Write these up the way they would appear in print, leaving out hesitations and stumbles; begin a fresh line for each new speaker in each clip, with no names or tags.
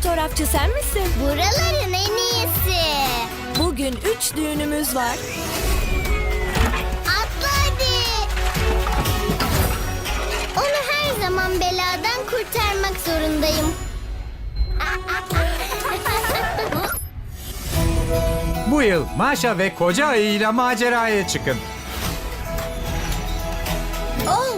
fotoğrafçı sen misin?
Buraların en iyisi.
Bugün 3 düğünümüz var.
Atla hadi. Onu her zaman beladan kurtarmak zorundayım.
Bu yıl Maşa ve koca ayıyla maceraya çıkın.
Oh!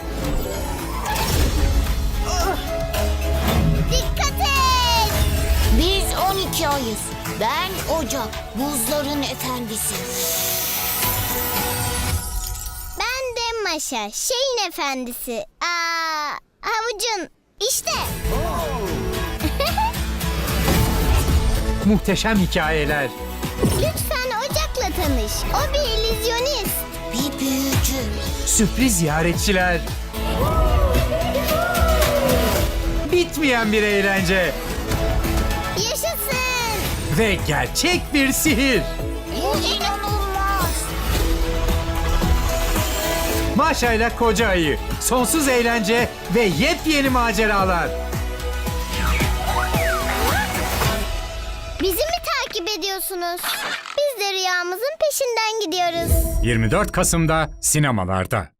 Dikkat et!
Biz 12 ayız. Ben Ocak, buzların efendisi.
Ben de Maşa, şeyin efendisi. Havucun. İşte.
Muhteşem hikayeler.
Lütfen Ocak'la tanış. O bir illüzyonist.
Bir büyücü.
Sürpriz ziyaretçiler. Bitmeyen bir eğlence.
Yaşasın.
Ve gerçek bir sihir.
Bu inanılmaz.
Maşa ile koca ayı. Sonsuz eğlence ve yepyeni maceralar.
Bizi mi takip ediyorsunuz? Biz de rüyamızın peşinden gidiyoruz.
24 Kasım'da sinemalarda.